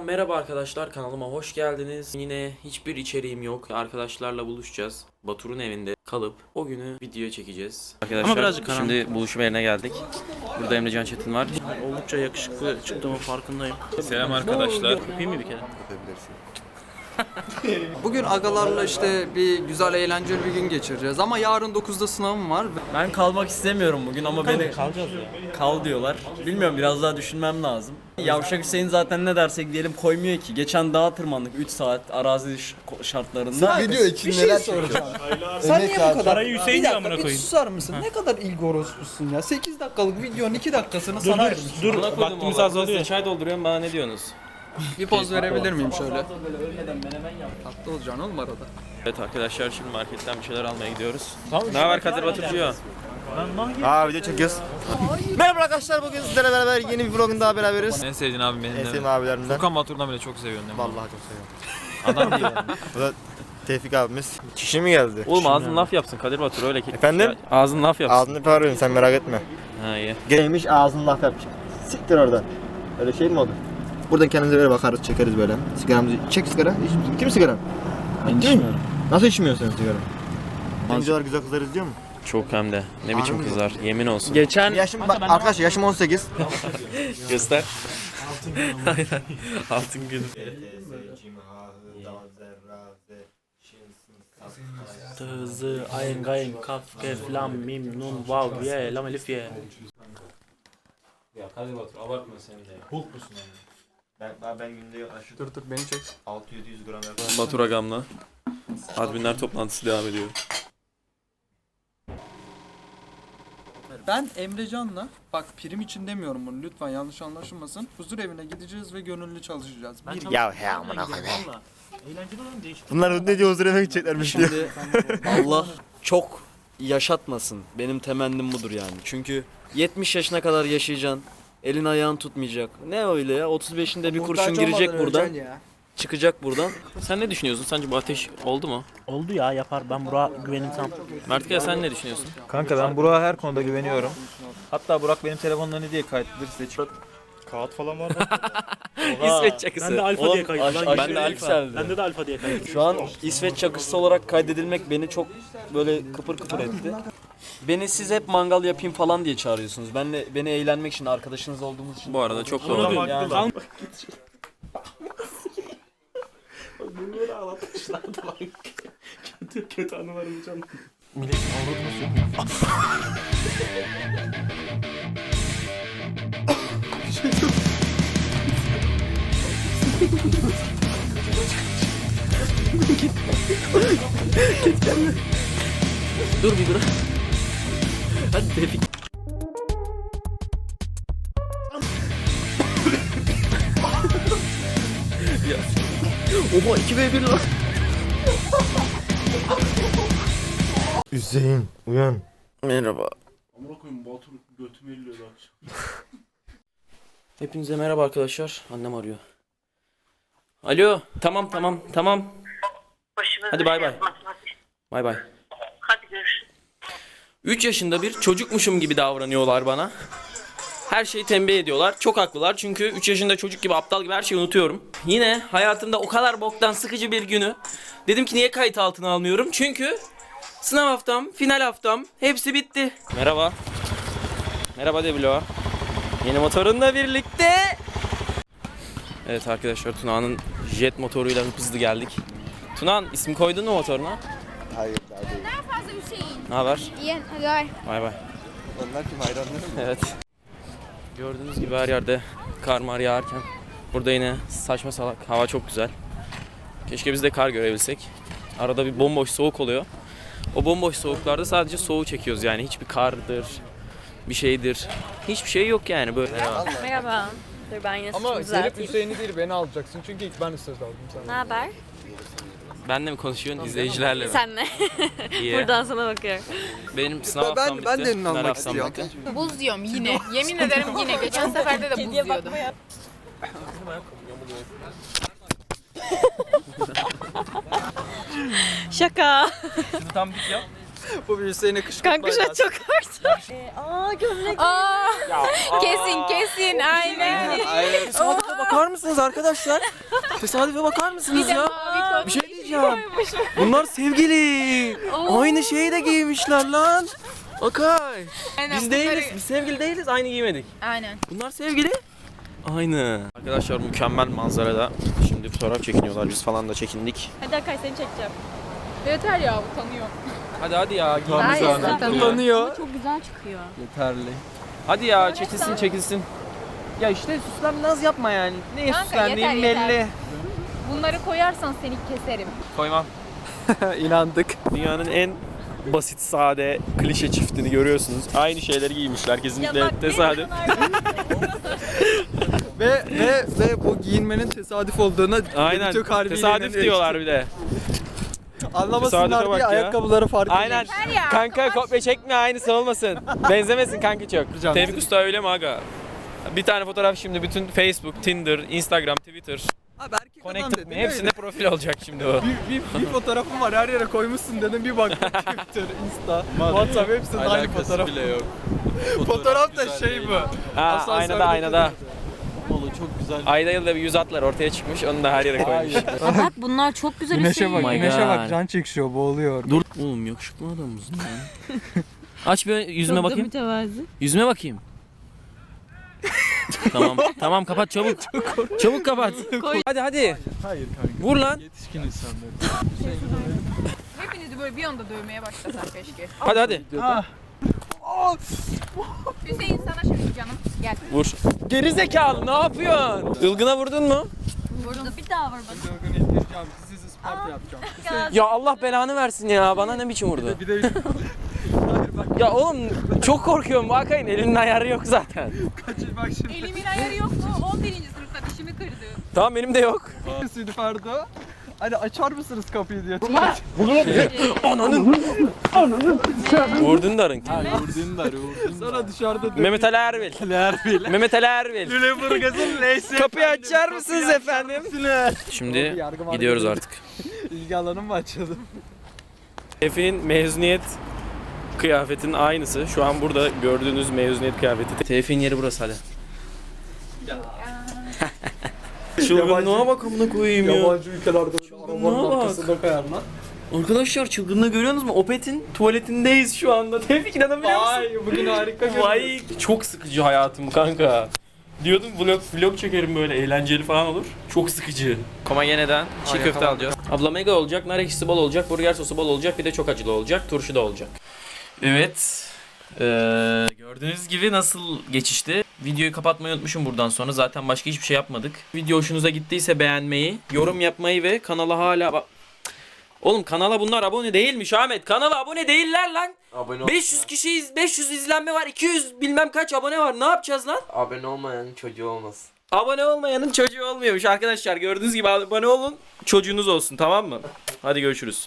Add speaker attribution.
Speaker 1: Merhaba arkadaşlar, kanalıma hoş geldiniz. Yine hiçbir içeriğim yok. Arkadaşlarla buluşacağız. Batur'un evinde kalıp o günü video çekeceğiz. Arkadaşlar şimdi buluşma yerine geldik. Burada Emrecan Çetin var.
Speaker 2: Oldukça yakışıklı çıktığımın farkındayım.
Speaker 1: Selam arkadaşlar.
Speaker 2: Öpeyim mi bir kere?
Speaker 3: Bugün agalarla işte bir güzel eğlenceli bir gün geçireceğiz ama yarın 9'da sınavım var.
Speaker 4: Ben kalmak istemiyorum bugün ama beni
Speaker 2: Kalacağız ya.
Speaker 4: kal diyorlar. Bilmiyorum, biraz daha düşünmem lazım. Yavşak Hüseyin zaten ne dersek diyelim koymuyor ki. Geçen dağa tırmandık 3 saat arazi şartlarında.
Speaker 5: Video için neler soracağım.
Speaker 3: Sen niye bu kadar?
Speaker 2: Parayı Hüseyin
Speaker 3: Bir
Speaker 2: amına
Speaker 3: dakika bir
Speaker 2: koyayım.
Speaker 3: susar mısın? Ne kadar ilgi orospusun ya. 8 dakikalık videonun 2 dakikasını sana ayırmışsın.
Speaker 2: Dur,
Speaker 1: Buna koydum
Speaker 2: vaktimiz
Speaker 1: valla.
Speaker 2: azalıyor.
Speaker 1: Size çay dolduruyorum, bana ne diyorsunuz?
Speaker 3: Bir poz verebilir miyim şöyle? Tatlı olacaksın oğlum arada.
Speaker 1: Evet arkadaşlar, şimdi marketten bir şeyler almaya gidiyoruz. Ne haber Kadir Baturcuğum?
Speaker 5: Video çekiyoruz. Merhaba arkadaşlar, bugün sizlerle beraber yeni bir vlogun daha beraberiz.
Speaker 6: En sevdiğin abim benim
Speaker 5: En
Speaker 6: de.
Speaker 5: sevdiğim abilerimden.
Speaker 6: Furkan Batur'dan bile çok seviyorum.
Speaker 5: Vallahi çok seviyorum.
Speaker 6: Adam değil yani.
Speaker 5: Bu da Tevfik abimiz. Çişi mi geldi?
Speaker 1: Oğlum ağzın laf yapsın Kadir Batur, öyle ki.
Speaker 5: Efendim?
Speaker 1: Ağzın laf yapsın.
Speaker 5: Ağzını parıyorum, sen merak etme.
Speaker 1: Ha iyi.
Speaker 5: Gelmiş ağzını laf yapacak. Siktir oradan. Öyle şey mi olur? Buradan kendimize böyle bakarız, çekeriz böyle. Sigaramızı çek, sigara. İç misin? Kim sigara?
Speaker 4: Ben içmiyorum.
Speaker 5: Nasıl içmiyorsun sen sigara? Oyuncular güzel kızlar izliyor mu?
Speaker 1: Çok hem de. Ne biçim
Speaker 5: Harbi mi?
Speaker 1: kızlar, yemin olsun.
Speaker 4: Geçen
Speaker 5: Yaşım, arkadaşlar yaşım 18.
Speaker 1: Göster. Aynen. Altın gün.
Speaker 2: Tızı, ayın gayın, kaf, kef, lam, mim, nun, vav, ye, lam, elif, ye.
Speaker 1: Ya Kadir Batur abartma sen de.
Speaker 5: Ben günde aşırı
Speaker 3: Dur beni çek.
Speaker 5: 600-700 gram yapıyorum.
Speaker 1: Batur Agam'la adminler toplantısı devam ediyor.
Speaker 3: Ben Emrecan'la, bak prim için demiyorum bunu lütfen yanlış anlaşılmasın. Huzur evine gideceğiz ve gönüllü çalışacağız.
Speaker 5: Ya he amına koyayım.
Speaker 2: Valla. Eğlenceli olan değişik.
Speaker 5: Bunlar ne diyor, huzur evine gideceklermiş diyor.
Speaker 4: şimdi Allah çok yaşatmasın. Benim temennim budur yani. Çünkü 70 yaşına kadar yaşayacaksın. Elin ayağın tutmayacak. Ne öyle ya? 35'inde bir kurşun girecek buradan. Çıkacak buradan.
Speaker 1: Sen ne düşünüyorsun? Sence bu ateş oldu mu?
Speaker 2: Oldu ya, yapar. Ben Burak'a güvenim tam.
Speaker 1: Mertkaya sen ne düşünüyorsun?
Speaker 6: Kanka ben Burak'a her konuda güveniyorum. Hatta Burak benim telefonla ne diye kayıtlıdır size çık. Kağıt falan var mı?
Speaker 1: İsveç çakısı.
Speaker 2: Ben de alfa diye kaydım.
Speaker 1: Ben de alfa.
Speaker 2: Bende de alfa diye kaydım.
Speaker 4: Şu an İsveç çakısı olarak kaydedilmek beni çok böyle kıpır kıpır etti. Beni siz hep mangal yapayım falan diye çağırıyorsunuz. Beni eğlenmek için, arkadaşınız olduğumuz için.
Speaker 1: Bu arada çok doğru.
Speaker 4: Yani.
Speaker 2: Bunları ağlatmışlardı lan. Kötü anılarımı canım.
Speaker 1: Dur bir dur. Hadi tepki. Ya. Oha 2v1 lan.
Speaker 5: Hüseyin uyan.
Speaker 1: Merhaba.
Speaker 2: Amına koyayım, Batur götümü elliyordu akşam.
Speaker 1: Hepinize merhaba arkadaşlar. Annem arıyor. Alo. Tamam. Hadi bay bay. Bay bay.
Speaker 7: Hadi görüşürüz.
Speaker 1: 3 yaşında bir çocukmuşum gibi davranıyorlar bana. Her şeyi tembih ediyorlar. Çok haklılar çünkü 3 yaşında çocuk gibi, aptal gibi her şeyi unutuyorum. Yine hayatımda o kadar boktan sıkıcı bir günü dedim ki niye kayıt altına almıyorum? Çünkü sınav haftam, final haftam hepsi bitti. Merhaba. Merhaba Debilo. Yeni motorunla birlikte. Evet arkadaşlar, Tuna'nın jet motoruyla hızlı geldik. Tuna'nın isim koydun mu motoruna?
Speaker 5: Hayır daha değil.
Speaker 7: Fazla Hüseyin.
Speaker 1: Ne haber?
Speaker 7: İyi, hadi bay.
Speaker 1: Bay bay.
Speaker 5: Onlar kim, hayranları mı?
Speaker 1: Evet. Gördüğünüz gibi her yerde kar mar yağarken burada yine saçma salak, hava çok güzel. Keşke biz de kar görebilsek. Arada bir bomboş soğuk oluyor. O bomboş soğuklarda sadece soğuğu çekiyoruz yani, hiçbir kardır, bir şeydir. Hiçbir şey yok yani böyle.
Speaker 7: Merhaba. Dur ben yine
Speaker 3: Ama
Speaker 7: saçımı
Speaker 3: gelip
Speaker 7: düzelteyim.
Speaker 3: Hüseyin'i değil beni alacaksın çünkü ilk ben söz aldım
Speaker 7: Ne
Speaker 3: sana.
Speaker 7: haber?
Speaker 1: Benle mi konuşuyorsun, izleyicilerle mi?
Speaker 7: Senle.
Speaker 1: İyi.
Speaker 7: Buradan sana bakıyorum.
Speaker 1: Benim sınav haftam bitti.
Speaker 3: Ben de elini
Speaker 1: Final
Speaker 3: almak
Speaker 1: haftam
Speaker 3: istiyorum.
Speaker 1: bitti.
Speaker 8: Buz diyorum yine. Yemin ederim yine. Geçen seferde de buz diyordum.
Speaker 7: Şaka.
Speaker 1: Şunu tam dik yap.
Speaker 3: Bu bir Hüseyin'e kışkırtma.
Speaker 7: Kanka şu an çok artık. Aa gömlek. Aa. Kesin aynen.
Speaker 3: Hayır.
Speaker 1: bakar mısınız arkadaşlar? Tesadüfe bakar mısınız ya? Bir şey diyeceğim. Bunlar sevgili. Aynı şeyi de giymişler lan. Okay. Biz değiliz. Biz sevgili değiliz. Aynı giymedik.
Speaker 8: Aynen.
Speaker 1: Bunlar sevgili. Aynı. Arkadaşlar mükemmel manzarada. Şimdi fotoğraf çekiniyorlar. Biz falan da çekindik.
Speaker 7: Hadi Akay seni çekeceğim.
Speaker 8: Yeter ya utanıyor.
Speaker 1: Hadi ya.
Speaker 8: Utanıyor.
Speaker 7: Çok güzel çıkıyor.
Speaker 3: Yeterli.
Speaker 1: Hadi ya çekilsin. Ya işte süslen naz yapma yani. Neye
Speaker 8: Kanka,
Speaker 1: süslendiğim
Speaker 8: yeter.
Speaker 1: belli.
Speaker 8: Bunları koyarsan seni keserim.
Speaker 1: Koymam.
Speaker 3: İnandık.
Speaker 1: Dünyanın en basit, sade, klişe çiftini görüyorsunuz. Aynı şeyleri giymişler kesinlikle tesadüf.
Speaker 3: ve bu giyinmenin tesadüf olduğuna
Speaker 1: Aynen.
Speaker 3: çok harbi
Speaker 1: Tesadüf diyorlar bir de.
Speaker 3: Anlamasınlar
Speaker 1: Tesadüfe bak
Speaker 3: diye
Speaker 1: ya.
Speaker 3: ayakkabıları farklı.
Speaker 1: Aynen. Kanka kopya çekme aynısı olmasın. Benzemesin kanka çok. Tevfik Usta öyle mi aga? Bir tane fotoğraf şimdi bütün Facebook, Tinder, Instagram, Twitter,
Speaker 3: Abi erkek adam
Speaker 1: Connected
Speaker 3: dedin
Speaker 1: Me hepsinde profil olacak şimdi o.
Speaker 3: bir fotoğrafım var her yere koymuşsun dedim bir baktım Twitter, Insta, WhatsApp hepsinde aynı fotoğraf.
Speaker 6: bile yok.
Speaker 3: Fotoğraf da şey bu.
Speaker 1: Ha, aynada.
Speaker 6: Oğlum çok güzel.
Speaker 1: Ayda yılda bir yüz atlar ortaya çıkmış onu da her yere koymuş.
Speaker 7: Bak bunlar çok güzel
Speaker 3: Güneşe bak,
Speaker 1: Oh my
Speaker 3: güneşe
Speaker 1: God.
Speaker 3: bak can çekişiyor, boğuluyor.
Speaker 1: Dur. Oğlum yakışıklı adamız lan. Aç bir yüzüme bakayım.
Speaker 7: mütevazi.
Speaker 1: Yüzüme bakayım. Tamam kapat çabuk. Çabuk kapat. Hadi.
Speaker 3: Hayır kanka.
Speaker 1: Vur lan.
Speaker 6: Yetişkin insanlar.
Speaker 8: Hepinizi böyle bir anda dövmeye başlasan keşke.
Speaker 1: Hadi.
Speaker 8: Hüseyin sana şimdi canım. Gel.
Speaker 1: Vur. Geri zekalı ne yapıyorsun? Ilgına vurdun mu?
Speaker 7: Burada bir daha var bak.
Speaker 3: Dövgünü indireceğim, sizi Isparta yapacağım.
Speaker 1: Ya Allah belanı versin ya. Bana ne biçim vurdu?
Speaker 3: Bir de
Speaker 1: Ya oğlum çok korkuyorum. Bakayın elinin ayarı yok zaten.
Speaker 3: kaçır bak şimdi.
Speaker 8: Elimin ayarı yok mu? 11. sınıfta dişimi kırdı.
Speaker 1: Tamam benim de yok.
Speaker 3: Südüferdo. Hani açar mısınız kapıyı diye.
Speaker 1: Vurdun darın.
Speaker 3: Sonra dışarıda
Speaker 1: Mehmet Ali Erbil. Mehmet Ali Erbil.
Speaker 3: Lüleburgaz'ın neyse.
Speaker 1: Kapıyı açar mısınız efendim? Şimdi gidiyoruz artık.
Speaker 3: İlgi alanım mı açıldı?
Speaker 1: Tevfik'in mezuniyet kıyafetinin aynısı. Şu an burada gördüğünüz mezuniyet kıyafeti. Tevfik'in yeri burası hadi. Çılgınlığa bak amına koyayım ya.
Speaker 3: Yabancı ülkelerde
Speaker 1: Çılgınlığa
Speaker 3: arabanın
Speaker 1: bak.
Speaker 3: arkasında koyar lan.
Speaker 1: Arkadaşlar çılgınlığı görüyorsunuz mu? Opet'in tuvaletindeyiz şu anda. Tevfik inanabiliyor musun?
Speaker 3: Vay bugün harika görünüyor.
Speaker 1: Vay çok sıkıcı hayatım kanka. Diyordum vlog çekerim böyle eğlenceli falan olur. Çok sıkıcı. Komagene'den çiğ köfte alacağız. Abla mega olacak, nar ekşisi bol olacak, burger sosu bol olacak, bir de çok acılı olacak, turşu da olacak. Evet. Gördüğünüz gibi nasıl geçişti. Videoyu kapatmayı unutmuşum buradan sonra. Zaten başka hiçbir şey yapmadık. Video hoşunuza gittiyse beğenmeyi, yorum yapmayı ve kanala hala... Oğlum kanala bunlar abone değilmiş Ahmet. Kanala abone değiller lan.
Speaker 9: Abone
Speaker 1: 500 kişiyiz, 500 izlenme var, 200 bilmem kaç abone var. Ne yapacağız lan?
Speaker 9: Abone olmayanın çocuğu olmaz.
Speaker 1: Abone olmayanın çocuğu olmuyormuş arkadaşlar. Gördüğünüz gibi abone olun, çocuğunuz olsun, tamam mı? Hadi görüşürüz.